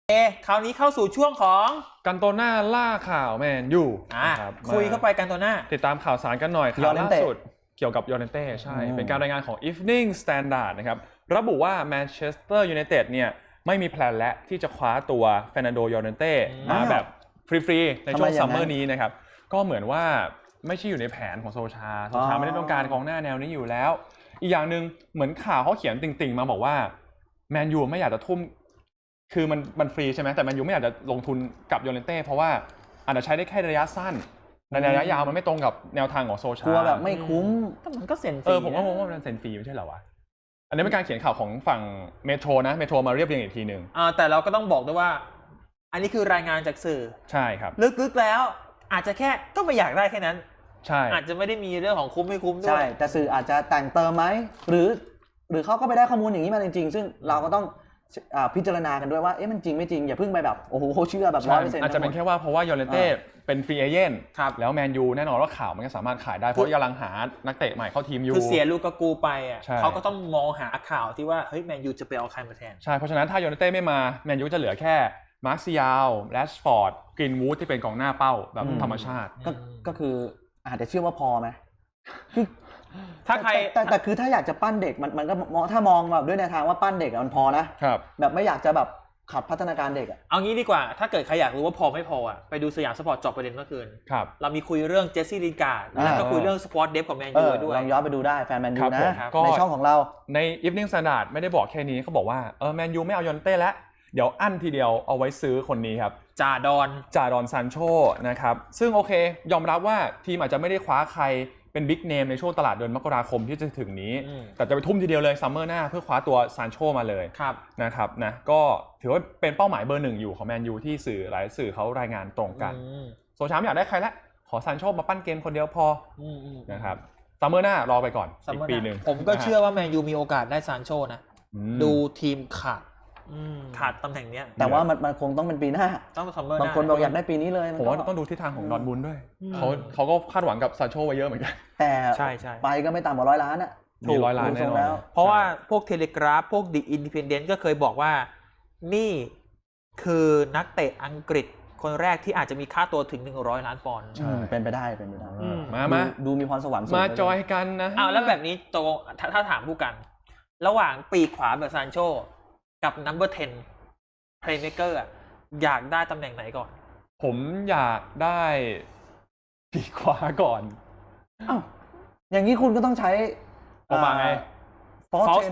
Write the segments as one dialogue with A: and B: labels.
A: คราวนี้เข้าสู่ช่วงของ
B: กันโตน่าล่าข่าวแมนยู
A: คุยเข้าไปกันโตน่า
B: ติดตามข่าวสารกันหน่อยข่าวล่าสุดเกี่ยวกับยอร์เนเต้ใช่เป็นการรายงานของ Evening Standard นะครับระบุว่าแมนเชสเตอร์ยูไนเต็ดเนี่ยไม่มีแพลนและที่จะคว้าตัวเฟร์นันโดยอร์เนเต้มาแบบฟรีๆในช่วงซัมเมอร์นี้นะครับก็เหมือนว่าไม่ใช่อยู่ในแผนของโซชาไม่ได้ต้องการกองหน้าแนวนี้อยู่แล้วอีกอย่างหนึ่งเหมือนข่าวเขาเขียนติ่งๆมาบอกว่าแมนยูไม่อยากจะทุ่มคือมันฟรีใช่ไหมแต่แมนยูไม่อยากจะลงทุนกับยอร์เนเต้เพราะว่าอาจจะใช้ได้แค่ระยะสั้นในระยะยาวมันไม่ตรงกับแนวทางของโซชาก
C: ลัวแบบไม่คุ้ม
A: แต่มันก็เซ็นฟรี
B: ผมว่ามันเซ็นฟรีไม่ใช่เหรอวะอันนี้เป็นการเขียนข่าวของฝั่งเมโทรนะเมโทรมาเรียบเรียงอีกทีนึง
A: แต่เราก็ต้องบอกด้วยว่าอันนี้คือรายงานจากสื่อ
B: ใช่ครับ
A: ลึกๆแล้วอาจจะแค่ก็ไม่อยากได้แค่นั้น
B: ใช่
A: อาจจะไม่ได้มีเรื่องของคุ้มไม่คุ้มด้วย
C: ใช่แต่สื่ออาจจะแต่งเติมไหมหรือเขาก็ไปได้ข้อมูลอย่างนี้มาจริงๆซึ่งเราก็ต้องพิจารณากันด้วยว่ามันจริงไม่จริงอย่าเพิ่งไปแบบโอ้โหเชื่อแบบ 100%
B: อาจจะเป็นแค่ว่าเพราะว่ายอร์เนเต้เป็นฟรีเอเจนต์แล้วแมนยูแน่นอนว่าข่าวมันก็สามารถขายได้เพราะกำลังหานักเตะใหม่เข้าทีมอยู่
A: คือเสียลูกกูไปเขาก็ต้องมองหาข่าวที่ว่าเฮ้ยแมนยูจะไปเอาใครมาแทน
B: ใช่เพราะฉะนั้นถ้ายอร์เนเต้ไม่มาแมนยูจะเหลือแค่มาร์คซิยาลแรชฟอร์ดกรีนวูดที่เป็นกองหน้าเป้าแบบธรรมชาติ
C: ก็คืออาจจะเชื่อว่าพอไหม
A: ถ้าใคร
C: แต่คือถ้าอยากจะปั้นเด็กมันก็ถ้ามองแบบด้วยแนวทางว่าปั้นเด็กมันพอนะครับแบบไม่อยากจะแบบขัดพัฒนาการเด็ก
A: เอางี้ดีกว่าถ้าเกิดใครอยากรู้ว่าพอไม่พอไปดูสยามสปอร์ตจอบประเด็นเมื่อคืนเรามีคุยเรื่องเจสซี่ลินการ์ดแล้วก็คุยเรื่องสปอร์ตเดฟของแมนยูด้วย
C: ลองย้อนไปดูได้แฟนแมนยูนะในช่องของเรา
B: ใน Evening Standard ไม่ได้บอกแค่นี้เขาบอกว่าแมนยูไม่เอายอนเต้แล้วเดี๋ยวอั้นทีเดียวเอาไว้ซื้อคนนี้ครับ
A: จ่าดอน
B: ซานโชนะครับซึ่งโอเคยอมรับว่าทีมอาจจะไม่ได้คว้าใครเป็นบิ๊กเนมในช่วงตลาดเดือนมกราคมที่จะถึงนี้แต่จะไปทุ่มทีเดียวเลยซัมเมอร์หน้าเพื่อคว้าตัวซานโชมาเลยนะครับนะก็ถือว่าเป็นเป้าหมายเบอร์หนึ่งอยู่ของแมนยูที่สื่อหลายสื่อเขารายงานตรงกันโซชาไม่อยากได้ใครละขอซานโชมาปั้นเกมคนเดียวพอนะครับซัมเมอร์หน้ารอไปก่อนอีกปีนึง
A: ผมก็เชื่อว่าแมนยูมีโอกาสได้ซานโชนะดูทีมขาดตำแหน่งนี้
C: แต่ว่ามันคงต้องเป็นปีหน้า
A: ต้องซัมเมอร์ห
C: น้าบางคนบอกอยากได้ปีนี้เลย
B: ผมว่าต้องดูทิศทางของดอร์ทมุนด์ด้วยเขาก็คาดหวังกับซานโชไว้เยอะเหมือนกัน
C: แต่ไปก็ไม่ต่ำกว่า100 ล้านอ่ะ
B: มี100 ล้านแน่นอน
A: เพราะว่าพวกเทเลกราฟพวกดิอินดิเพนเดนต์ก็เคยบอกว่านี่คือนักเตะอังกฤษคนแรกที่อาจจะมีค่าตัวถึง100 ล้านปอนด์
C: เป็นไปได้
B: มา
C: ดูมีพรสวรรค์
B: มาจอยกันนะ
A: แล้วแบบนี้ตรงถ้าถามผู้กันระหว่างปีกขวาแบบซานโชกับนัมเบอร์10 Playmaker อยากได้ตำแหน่งไหนก่อน
B: ผมอยากได้ปีกขวาก่อน
C: อย่างนี้คุณก็ต้องใช้
B: ออกมาไง
A: False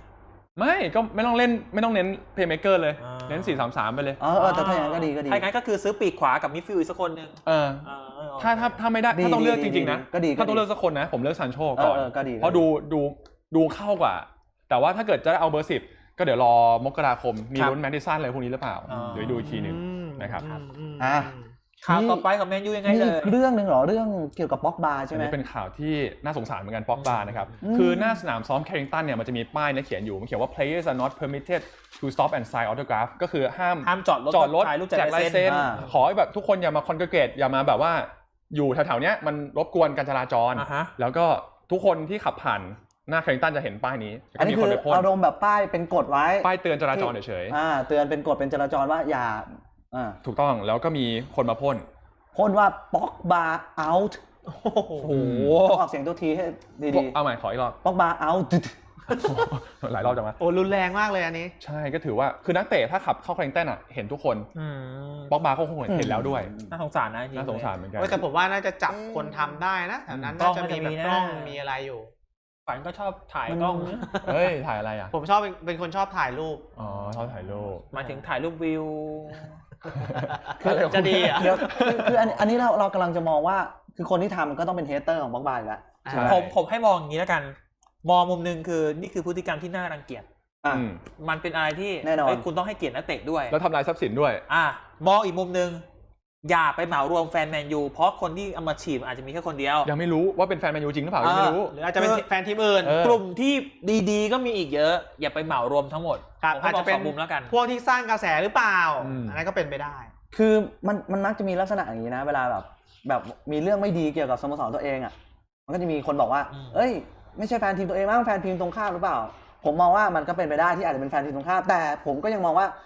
A: 10
B: ไม่ก็ไม่ต้องเน้น Playmaker เลยเน้น 4-3-3 ไปเลย
C: แต่ถ้าอย่างนั้นก็ดี
A: ถ้าอย่างนั้นก็คือซื้อปีกขวากับมิดฟิลด์อีกสักคนนึง
B: ถ้าไม่ได้ถ้าต้องเลือกจริงๆนะถ้าต้องเลือกสักคนนะผมเลือกซานโชก่อนเพราะดูเข้ากว่าแต่ว่าถ้าเกิดจะเอาเบอร์10ก็เดี๋ยวรอมกราคมมีลุ้นแมดดิสันอะไรพวกนี้หรือเปล่าเดี๋ยวดูอีกทีนึงนะครับ
A: ข่าวต่อไปของแมนยูยังไงเลย
C: เรื่องนึงเหรอเรื่องเกี่ยวกับป็อกบาใช่ไหม
B: เป็นข่าวที่น่าสงสารเหมือนกันป็อกบานะครับคือหน้าสนามซ้อมแคริงตันเนี่ยมันจะมีป้ายเขียนอยู่มันเขียนว่า players are not permitted to stop and sign autograph ก็คือห้าม
A: จอดรถถ่ายรูปแจกลายเซ็น
B: ขอแบบทุกคนอย่ามาคอนเกรเกตอย่ามาแบบว่าอยู่แถวๆนี้มันรบกวนการจราจรแล้วก็ทุกคนที่ขับผ่านหน้าแคริงตันจะเห็นป้ายนี้
C: อันนี้คืออารมณ์แบบป้ายเป็นกฎไว้
B: ป้ายเตือนจราจรเฉย
C: ๆเตือนเป็นกฎเป็นจราจรว่าอย่า
B: ถูกต้องแล้วก็มีคนมาพ่น
C: ว่าป็อกบา out โอ้โหออกเสียงตัวทีให้ดี
B: ๆเอาใหม่ขออีกรอบ
C: ป็อกบา out
B: หลายรอบจังวะ
A: รุนแรงมากเลยอันนี้
B: ใช่ก็ถือว่าคือนักเตะถ้าขับเข้าแคริงตันเห็นทุกคนป็อกบาเขาคงเห็นแล้วด้วย
A: น่าสงสารนะ
B: น่าสงสารเหมือนกัน
A: แต่ผมว่าน่าจะจับคนทำได้นะแถวนั้นน่าจะมีแบบกล้องมีอะไรอยู่ฝันก็ชอบถ่ายกล้อง
B: เฮ้ยถ่ายอะไร
A: ผมชอบเป็นคนชอบถ่ายรูป
B: ชอบถ่ายรูป
A: หมายถึงถ่ายรูปวิว
C: จะดีคืออันนี้เรากำลังจะมองว่าคือคนที่ทำก็ต้องเป็นเฮเตอร์ของบ็อกบาอยู่แล้ว
A: ผมให้มองอย่างนี้แล้วกันมองมุมนึงคือนี่คือพฤติกรรมที่น่ารังเกียจมันเป็นอะไรที่
C: แน่นอน
A: คุณต้องให้เกียรตินักเตะด้วย
B: แล้วทำลายทรัพย์สินด้วย
A: มองอีกมุมนึงอย่าไปเหมารวมแฟนแมนยูเพราะคนที่เอามาฉีดอาจจะมีแค่คนเดียว
B: ยังไม่รู้ว่าเป็นแฟนแมนยูจริงหรือเปล่ายังไม่รู้
A: หรืออาจจะเป็นแฟนทีมอื่นกลุ่มที่ดีๆก็มีอีกเยอะอย่าไปเหมารวมทั้งหมดอาจจะเป็นมุมแล้วกันพวกที่สร้างกระแสหรือเปล่าอันนั้นก็เป็นไปได้
C: คือมันมักจะมีลักษณะอย่างนี้นะเวลาแบบมีเรื่องไม่ดีเกี่ยวกับสโมสรตัวเองมันก็จะมีคนบอกว่าเอ้ยไม่ใช่แฟนทีมตัวเองมั้งแฟนทีมตรงข้ามหรือเปล่าผมมองว่ามันก็เป็นไปได้ที่อาจจะเป็นแฟนทีมตรงข้ามแต่ผมก็ยังมองว่า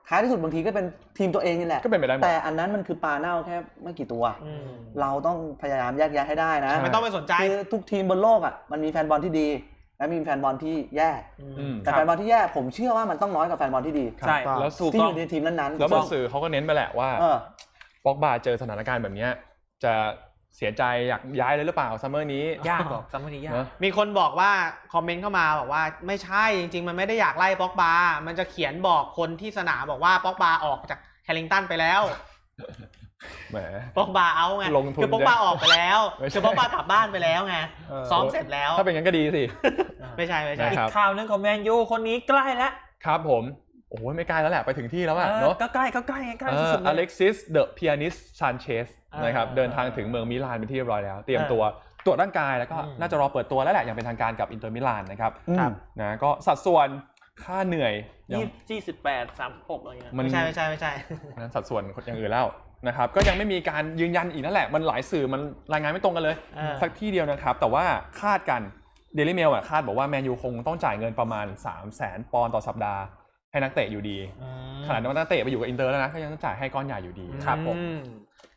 C: ท้ายที่สุดบางทีก็เป็นทีมตัวเองนี่แหละ
B: ก็เป็นไปได้หมด
C: แต่อันนั้นมันคือปลาเน่าแค่ไม่กี่ตัว เราต้องพยายามแยกแยะให้ได้นะ
D: ไม่ต้องไปสนใจ
C: คือทุกทีมบนโลกอ่ะมันมีแฟนบอลที่ดีและมีแฟนบอลที่แย่ แต่
A: ครับ
C: แฟนบอลที่แย่ผมเชื่อว่ามันต้องน้อยกว่าแฟนบอลที่ดี
A: ใช่
B: แล้ว
A: ถูก
C: ที่
A: ต้
C: อ
A: อง
C: ยู่ในทีมนั้นๆ
B: แล้วบางสื่อเขาก็เน้นไปแหละว่า
C: เออ
B: ป็อกบาเจอสถานการณ์แบบนี้จะเสียใจอยากย้ายเลยหรือเปล่าซัมเมอร์นี้
A: ยากกว่าซัมเมอร์นี้ยาก
B: นะ
D: มีคนบอกว่าคอมเมนต์เข้ามาบอกว่าไม่ใช่จริงๆมันไม่ได้อยากไล่ป็อกบามันจะเขียนบอกคนที่สนามบอกว่าป็อกบาออกจากแคลิงตันไปแล้ว
B: แหม
D: ป็อกบาเอาไง
B: ลงทุน
D: คือป็อกบาออกไปแล้ว
B: ไม่ใช่
D: คือป็อกบากลับบ้านไปแล้วไงซ้อมเสร็จแล้ว
B: ถ้าเป็นงั้นก็ดีสิ
D: ไม่ใช่
B: นะ
A: อี
B: ครั
A: ก
B: บ
A: ข่าวหนึงของแมนยูคนนี้ใกล้แล้ว
B: ครับผมโอ้โหไม่ไกลแล้วแหละไปถึงที่แล้วอะเนาะ
A: ก็ใกล้สุดๆ
B: อ
A: เล
B: เล็
A: ย
B: กซิสเดอะพิอานิสซานเชสนะครับ
A: อ่า
B: เดินทางถึงเมืองมิลานเป็นที่เรียบร้อยแล้วเตรียมตัวตรวจร่างกายแล้วก็น่าจะรอเปิดตัวแล้วแหละอย่างเป็นทางการกับอินเตอร์มิลานนะครับ
C: ครับ
B: นะก็สัดส่วนค่าเหนื่อยยัง
A: 28-36อะไรเงี้ย
B: มัน
D: ไม่ใช่
B: นั้นสัดส่วนอย่างอื่นแล้วนะครับก็ยังไม่มีการยืนยันอีกนั่นแหละมันหลายสื่อมันรายงานไม่ตรงกันเลย สักที่เดียวนะครับแต่ว่าคาดกันเดลี่เมลคาดบอกว่าแมนยูคงต้องจ่ายเงินประมาณ 300,000 ปอนด์ต่อสัปดาห์ให้นักเตะอยู่ดีขนาดว่านักเตะไปอยู่กับอินเตอร์แล้วนะก็ยังต้องจ่ายให้ก้อนใหญ่อยู่ดี
A: ครับผม